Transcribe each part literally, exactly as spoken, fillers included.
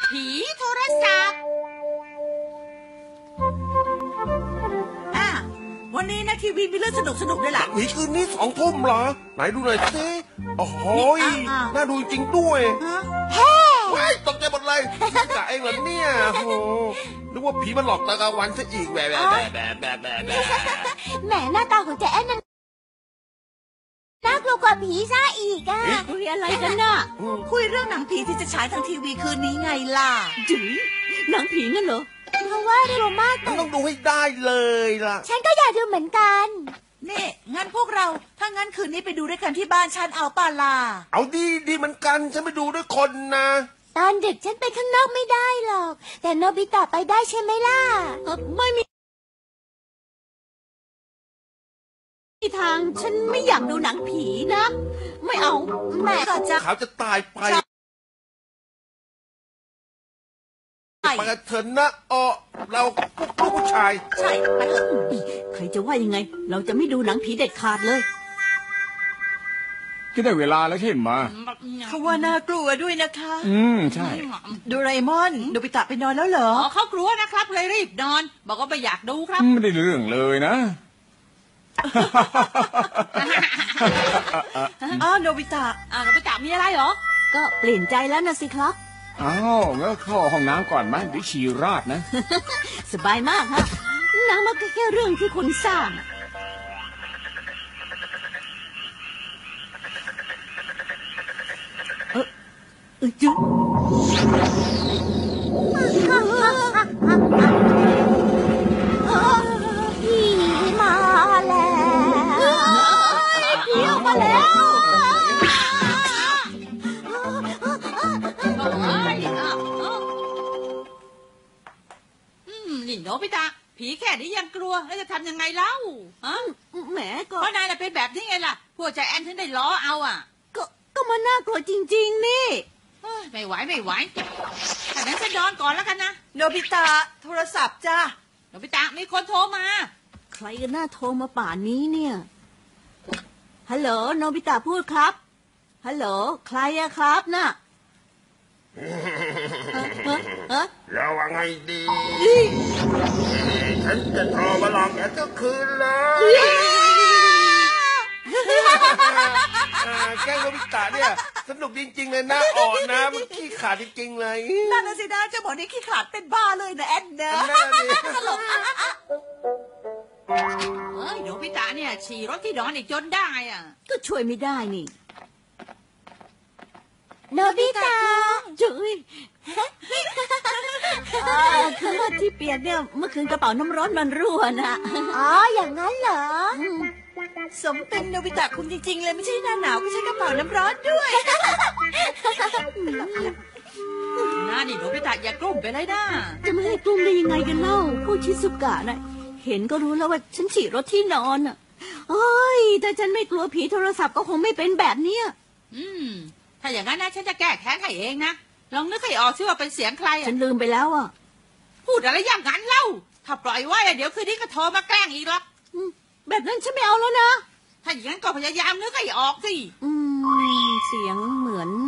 ผีโทรศัพท์อ่ะวันนี้นะทีวีมีเรื่องสนุกสนุกด้วยล่ะผีคืนนี้สองทุ่มเหรอไหนดูหน่อยสิโอ้โหน่าดูจริงด้วยเฮ้ว้ายตกใจหมดเลยนี่กะเองเหรอเนี่ยโอ้นึกว่าผีมันหลอกตากลางวันซะอีกแบบแบบแบบแบบแบบแบบแหมหน้าตาของใจแอนนั่นน่ากลัวกว่าผีซะอีกอะคุยอะไรกันน่ะคุยเรื่องหนังผีที่จะฉายทางทีวีคืนนี้ไงล่ะจื๋อหนังผีงั้นเหรอเพราะว่ากลัวมากมันต้องดูให้ได้เลยล่ะฉันก็อยากดูเหมือนกันนี่งั้นพวกเราถ้างั้นคืนนี้ไปดูด้วยกันที่บ้านฉันเอาป่าล่ะเอาดีดีเหมือนกันฉันไปดูด้วยคนนะตอนดึกฉันไปข้างนอกไม่ได้หรอกแต่โนบิตะไปได้ใช่ไหมล่ะไม่มีทางฉันไม่อยากดูหนังผีนะไม่เอาแม่ก็จะเขาจะตายไปไปกันเถอะนะอ๋อเราพวกลูกผู้ชายใช่ไปเถอะใครจะว่ายังไงเราจะไม่ดูหนังผีเด็ดขาดเลยก็ได้เวลาแล้วใช่ไหมเขาว่าน่ากลัวด้วยนะคะอืมใช่โดราเอมอนโนบิตะไปนอนแล้วเหรออ๋อเขากลัวนะครับเลยรีบนอนบอกว่าไม่อยากดูครับไม่ได้เรื่องเลยนะอ้าวโนบิตะอ้าวโนบิตะมีอะไรเหรอก็เปลี่ยนใจแล้วนะสิครับอ้าวงั้นเข้าห้องน้ำก่อนไหมเดี๋ยวฉี่ราดนะสบายมากฮะหนังมันก็แค่เรื่องที่คุณสร้างเออเออจุ๊ผีมาแล้วผีออกมาแล้วนี่โนบิตะผีแค่นี้ยังกลัวแล้วจะทำยังไงเล่าฮะแหมก็เพราะนายเป็นแบบนี้ไงล่ะพวกใจแอนถึงได้ล้อเอาอ่ะก็ก็มันน่ากลัวจริงๆนี่ไม่ไหวไม่ไหวแต่นั้นฉันนอนก่อนแล้วกันนะโนบิตะโทรศัพท์จ้าโนบิตะมีคนโทรมาใครกันน่าโทรมาป่านนี้เนี่ยฮัลโหลโนบิตะพูดครับฮัลโหลใครอะครับน่ะเราว่าไงดีฉันจะโทรมาหลอกแกทุกคืนเลยแกโนบิตะเนี่ยสนุกจริงๆเลยนะอ่อนนะมันขี้ขาดจริงๆเลยนั่นน่ะสินะเจ้าหมอนี่ขี้ขาดเป็นบ้าเลยนะแอนเนอร์ตลกเฮ้ยโนบิตะเนี่ยฉี่รถที่นอนอีกจนได้อ่ะก็ช่วยไม่ได้นี่โนบิตะจุ๊ยคือว่าที่เปียกเนี่ยเมื่อคืนกระเป๋าน้ำร้อนมันรั่วนะอ๋ออย่างนั้นเหรอสมเป็นโนบิตะคุณจริงๆเลยไม่ใช่หน้าหนาวก็ใช้กระเป๋าน้ำร้อนด้วยน่าดิโนบิตะอย่ากลุ้มไปเลยนะจะไม่ให้กลุ้มได้ยังไงกันเล่าผู้ชิซุกะน่ะเห็นก็รู้แล้วว่าฉันฉี่รถที่นอนอ่ะโอ้ยถ้าฉันไม่กลัวผีโทรศัพท์ก็คงไม่เป็นแบบเนี้ยอืมถ้าอย่างนั้นนะฉันจะแก้แค้นให้เองนะลองนึกให้ออกซิว่าเป็นเสียงใครอ่ะฉันลืมไปแล้วอ่ะพูดอะไรอย่างนั้นเล่าถ้าปล่อยไว้เดี๋ยวคืนนี้ก็โทรมาแกล้งอีกหรอกแบบนั้นฉันไม่เอาแล้วนะถ้าอย่างนั้นก็พยายามนึกให้ออกสิอืมเสียงเหมือน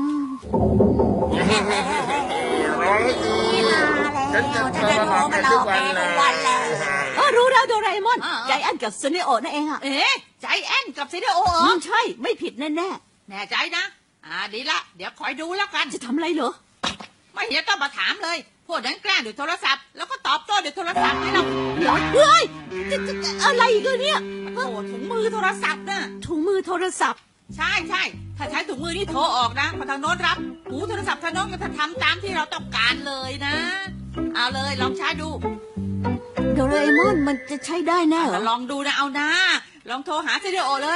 ร้องให้ดีฉันจะโทรมาหลอกแกทุกวันเลยเออรู้แล้วโดราเอมอนใจแอนกับซูเนโอนั่นเองอ่ะเอ๊ะใจแอนกับซูเนโอเหรอใช่ไม่ผิดแน่แน่แน่ใจนะอ่าดีละเดี๋ยวคอยดูแล้วกันจะทำอะไรเหรอไม่เห็นต้องมาถามเลยพวกนั้นแกล้งด้วยโทรศัพท์แล้วก็ตอบโต้ด้วยโทรศัพท์ให้เราเฮ้ยอะไรอีกเนี่ยโอ้ถุงมือโทรศัพท์น่ะถุงมือโทรศัพท์ใช่ใช่ถ้าใช้ถุงมือนี่โทรออกนะพอทางโน้นรับหูโทรศัพท์ทางโน้นก็จะทำตามที่เราต้องการเลยนะเอาเลยลองใช้ดูโดราเอมอนมันจะใช้ได้แน่เหรอลองดูนะเอานะลองโทรหาเซเดโอเลย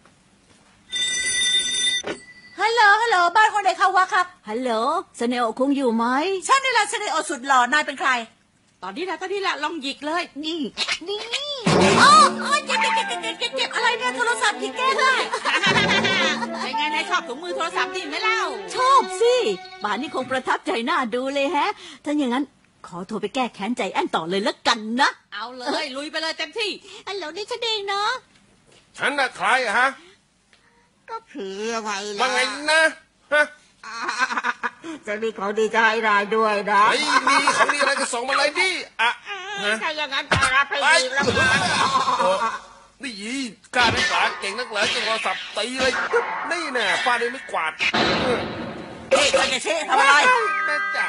ฮัลโหลฮัลโหลบ้านคนไหนเข้าวะครับฮัลโหลเซเนโอคงอยู่ไหมฉันนี่แหละเซเนโอสุดหล่อนายเป็นใครตอนนี้แหละตอนนี้แหละลองหยิกเลยนี่นี่อ๋อเจ็บเจ็บเจ็บเจ็บเจ็บเจ็บอะไรเนี่ยโทรศัพท์หยิกแก้ได้เป็นไงนายชอบถุงมือโทรศัพท์นี่ไหมเล่าชอบสิป่านนี้คงประทับใจน่าดูเลยแฮะถ้าอย่างนั้นขอโทรไปแก้แค้นใจแอนต่อเลยแล้วกันนะเอาเลยลุยไปเลยเต็มที่ฮัลโหลนี่ฉันเองเนาะฉันน่ะใครฮะก็คืออะไรล่ะว่าไงนะฮะจะมีของดีจะให้นายด้วยนะไอ้มีของดีอะไรก็ส่งมาเลยดิอ่ะฮะถ้าอย่างนั้นก็รับไปไปดีแล้วกันนี่ยีกล้านักหนาเก่งนักเหลือจนโทรศัพท์ตีเลยนี่แน่ฟาดด้วยไม่กวาดเฮ้ยจะเชทำอะไรแม่จ๋า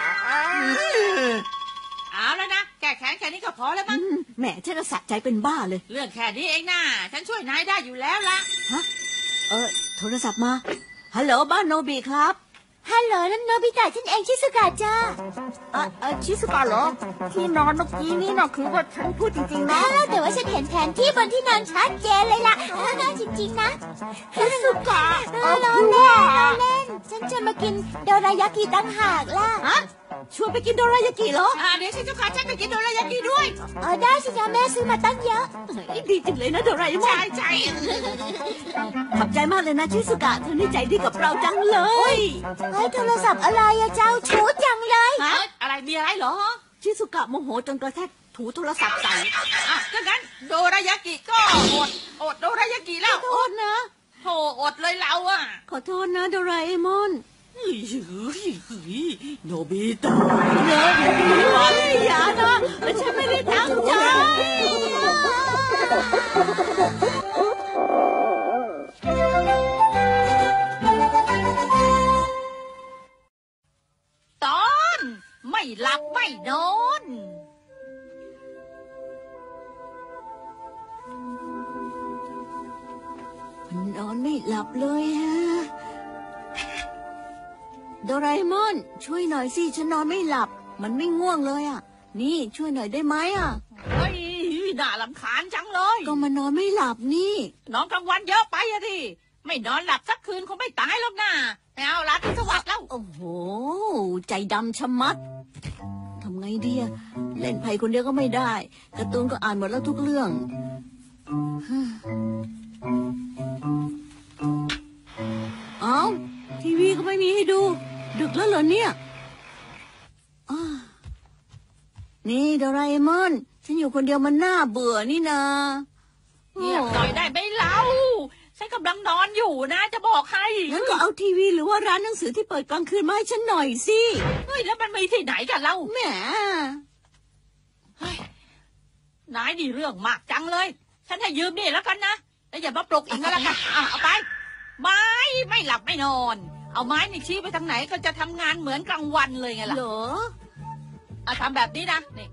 เอาแล้วนะแก้แค้นแค่นี้ก็พอแล้วมั้งแหมฉันจะสะใจเป็นบ้าเลยเรื่องแค่นี้เองนะฉันช่วยนายได้อยู่แล้วล่ะฮะ เออโทรศัพท์มา ฮัลโหลบ้านโนบิครับฮัลโหลนั่นโนบิตะฉันเองชิสุกะจ้าเออเออชิสุกะเหรอที่นอนเมื่อกี้นี่นะคือว่าฉันพูดจริงๆนะอ้าวแต่ว่าฉันเห็นแผนที่บนที่นอนชัดเจนเลยล่ะเออจริงๆนะชิสุกะเออล้อเล่นล้อเล่น ฉันจะมากินโดรายากิตั้งหากล่ะฮะ ชวนไปกินโดรายากิเหรออ่าเดี๋ยวฉันจะพาฉันไปกินโดรายากิด้วยเออได้สิจ้าแม่ซื้อมาตั้งเยอะเฮ้ยดีจังเลยนะโดราเอมอนใช่ใช่ขอบใจมากเลยนะชิสุกะเธอนี่ใจดีกับเราจังเลยเฮ้ยโทรศัพท์อะไรอะเจ้าชูจังเลยฮะอะไรมีอะไรเหรอชิสุกะโมโหจนกระแทกถูโทรศัพท์ใส่อ่ะถ้างั้นโดรายากิก็อดอดโดรายากิแล้วขอโทษนะโธ่อดเลยเราอ่ะขอโทษนะโดราเอมอนเฮ้ยเฮ้ยเฮ้ยโนบิตะเนอะอย่านะฉันไม่ได้ตั้งใจตอนไม่หลับไม่นอนมันนอนไม่หลับเลยฮะ โดราเอมอน ช่วยหน่อยสิฉันนอนไม่หลับ มันไม่ง่วงเลยอ่ะ นี่ช่วยหน่อยได้ไหมอ่ะเฮ้ยน่ารำคาญจังเลยก็มันนอนไม่หลับนี่นอนกลางวันเยอะไปอะดิไม่นอนหลับสักคืนคงไม่ตายหรอกนะไม่เอาละที่สวัสดิ์แล้วโอ้โห ใจดำชะมัด ทำไงดีอะเล่นไพ่คนเดียวก็ไม่ได้การ์ตูนก็อ่านหมดแล้วทุกเรื่องฮึ่มเอ้าทีวีก็ไม่มีให้ดู ดึกแล้วเหรอเนี่ยอ้านี่โดราเอมอน ฉันอยู่คนเดียวมันน่าเบื่อนี่นาเงียบหน่อยได้ไหมเล่าฉันกำลังนอนอยู่นะจะบอกให้งั้นก็เอาทีวีหรือว่าร้านหนังสือที่เปิดกลางคืนมาให้ฉันหน่อยสิเฮ้ยแล้วมันมีที่ไหนกันเล่าแหมเฮ้ยนายนี่เรื่องมากจังเลย ฉันให้ยืมนี่แล้วกันนะแล้วอย่ามาปลุกอีกก็แล้วกันอ่ะเอาไป ไม้ไม่หลับไม่นอน เอาไม้นี่ชี้ไปทางไหนก็จะทำงานเหมือนกลางวันเลยไงล่ะเหรออ่ะทำแบบนี้นะนี่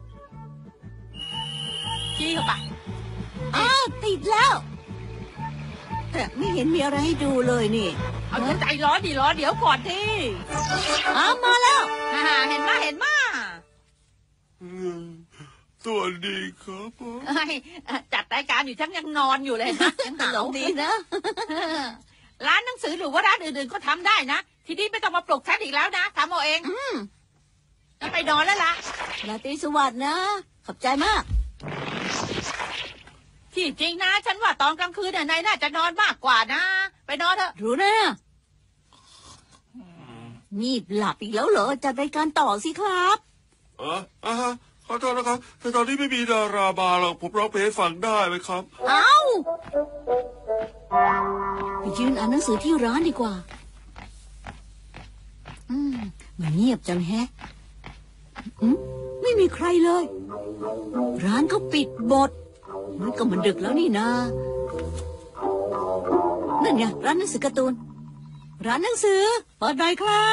ชี้เข้าไปอ้าวติดแล้ว แต่ไม่เห็นมีอะไรให้ดูเลยนี่เอาใจร้อนดิร้อนเดี๋ยวก่อนที่อ้าวมาแล้วอ่าเห็นมาเห็นมาสวัสดีครับผมเฮ้ยจัดรายการอยู่ฉันยังนอนอยู่เลยนะยังตหาลวกดีนะร้านหนังสือหรือว่าร้านอื่นๆก็ทำได้นะทีนี้ไม่ต้องมาปลุกฉันอีกแล้วนะทำเอาเองอืมไปนอนแล้วล่ะราตรีสวัสดิ์นะ ขอบใจมากที่จริงนะฉันว่าตอนกลางคืนน่ะนายน่าจะนอนมากกว่านะ ไปนอนเถอะรู้นะงีบหลับอีกแล้วเหรอ จัดรายการต่อสิครับเอออ่าฮะขอโทษนะครับแต่ตอนนี้ไม่มีดารามาหรอกผมร้องเพลงให้ฟังได้ไหมครับเอ้าไปยืนอ่านหนังสือที่ร้านดีกว่า อืมมันเงียบจังแฮะอืมไม่มีใครเลย ร้านเขาปิดหมดมันก็มันดึกแล้วนี่นานั่นไงร้านหนังสือการ์ตูน ร้านหนังสือเปิดหน่อยครับ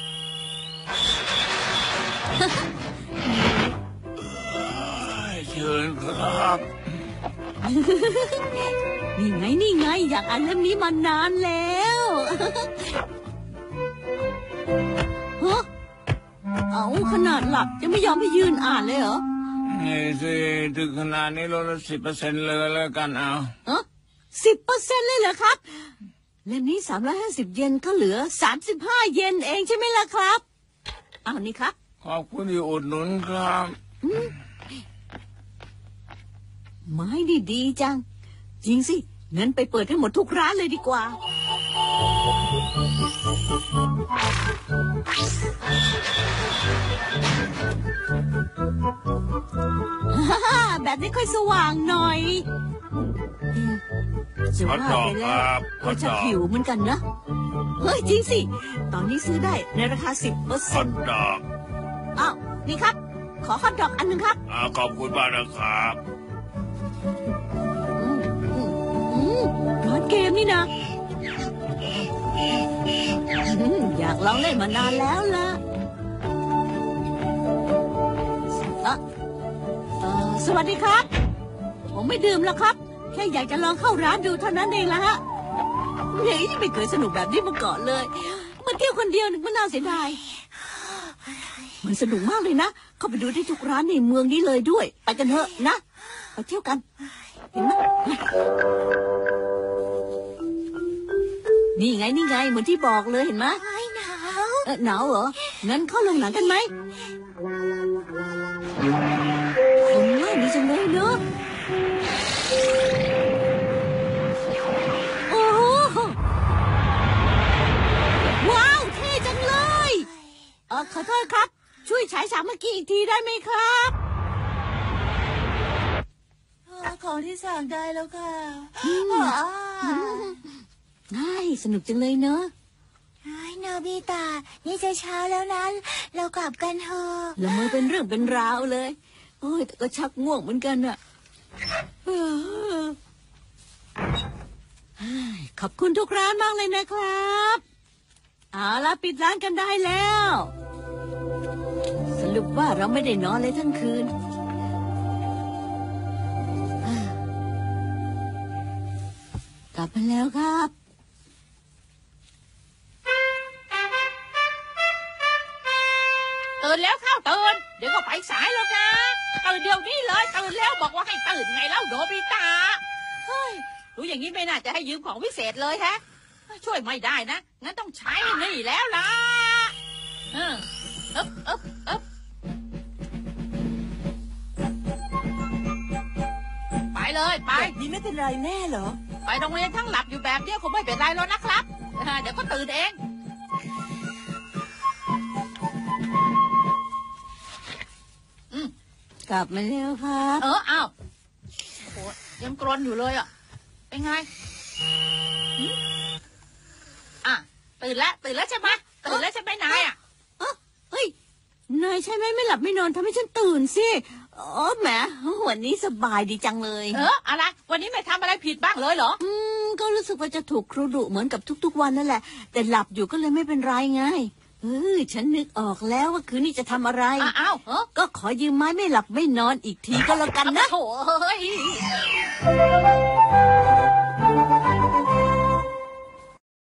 เชิญครับนี่ไงนี่ไง อยากอ่านเล่มนี้มานานแล้วฮะเอาขนาดหลับยังไม่ยอมให้ยืนอ่านเลยเหรอนี่สิถึงขนาดนี้ลดละสิบเปอร์เซ็นต์เลยแล้วกันเอาฮะสิบเปอร์เซ็นต์เลยเหรอครับ เล่มนี้สามร้อยห้าสิบเยนก็เหลือสามสิบห้าเยนเองใช่ไหมล่ะครับเอานี่ครับขอบคุณที่อุดหนุนครับไม้ดีดีจัง จริงสิงั้นไปเปิดให้หมดทุกร้านเลยดีกว่า แบบนี้ค่อยสว่างหน่อยจะว่าไปแล้วก็จะหิวเหมือนกันนะเฮ้ยจริงสิตอนนี้ซื้อได้ในราคาสิบเปอร์ฮเซ็อน ตต์ดอกอ้าวนี่ครับขอฮอทดอกอันหนึ่งครับอ่าขอบคุณมากนะครับอืมอืมอืมร้านเกมนี่นะอืมอยากลองเล่นมานานแล้วล่ะเอ่อเอ่อสวัสดีครับ ผมไม่ดื่มแล้วครับ แค่อยากจะลองเข้าร้านดูเท่านั้นเองละฮะเฮ้ยไม่เคยสนุกแบบนี้มาก่อนเลยมาเที่ยวคนเดียวนึกว่าน่าเสียดายมันสนุกมากเลยนะเข้าไปดูที่ทุกร้านในเมืองนี้เลยด้วยไปกันเถอะนะไปเที่ยวกันเห็นไหมนี่ไงนี่ไงเหมือนที่บอกเลยเห็นไหมไอ้หนาวเออหนาวเหรองั้นเข้าลงหนังกันไหมคนง่ายดีจังเลยเนอะโอ้โหว้าวเท่จังเลยเออขอโทษครับช่วยฉายฉากเมื่อกี้อีกทีได้ไหมครับของที่สั่งได้แล้วค่ะง่ายสนุกจังเลยเนอะไอ้นาบิตะนี่จะเช้าแล้วนะเรากลับกันเถอะละเมอเป็นเรื่องเป็นราวเลยโอ้ยแต่ก็ชักง่วงเหมือนกันอะเออขอบคุณทุกร้านมากเลยนะครับเอาละปิดร้านกันได้แล้ว สรุปว่าเราไม่ได้นอนเลยทั้งคืนกลับมาแล้วครับตื่นแล้วเข้าตื่นเดี๋ยวก็ไปสายแล้วนะตื่นเดี๋ยวนี้เลยตื่นแล้วบอกว่าให้ตื่นไงเล่าโดบิตาเฮ้ยรู้อย่างนี้ไม่น่าจะให้ยืมของวิเศษเลยฮะช่วยไม่ได้นะงั้นต้องใช้นี่แล้วล่ะเอออึ๊บอึ๊บอึ๊บไปเลยไปนี่ไม่เป็นไรแน่เหรอไปโรงเรียนทั้งหลับอยู่แบบเนี้ยคงไม่เป็นไรแล้วนะครับเดี๋ยวก็ตื่นเองกลับมาแล้วครับเอออ้าวโอ้ยังกรนอยู่เลยอ่ะเป็นไงอ่ะตื่นแล้วตื่นแล้วใช่ไหมตื่นแล้วใช่ไหมนายอ่ะเอ้อเฮ้ยนายใช่ไหมไม่หลับไม่นอนทำให้ฉันตื่นสิอ๋อแหมวันนี้สบายดีจังเลยเอออะไรวันนี้ไม่ทำอะไรผิดบ้างเลยเหรออืมก็รู้สึกว่าจะถูกครูดุเหมือนกับทุกๆวันนั่นแหละ แต่หลับอยู่ก็เลยไม่เป็นไรไงเออฉันนึกออกแล้วว่าคืนนี้จะทำอะไรอ้าวเออก็ขอยืมไม้ไม่หลับไม่นอนอีกทีก็แล้วกันนะโถ่เฮ้ย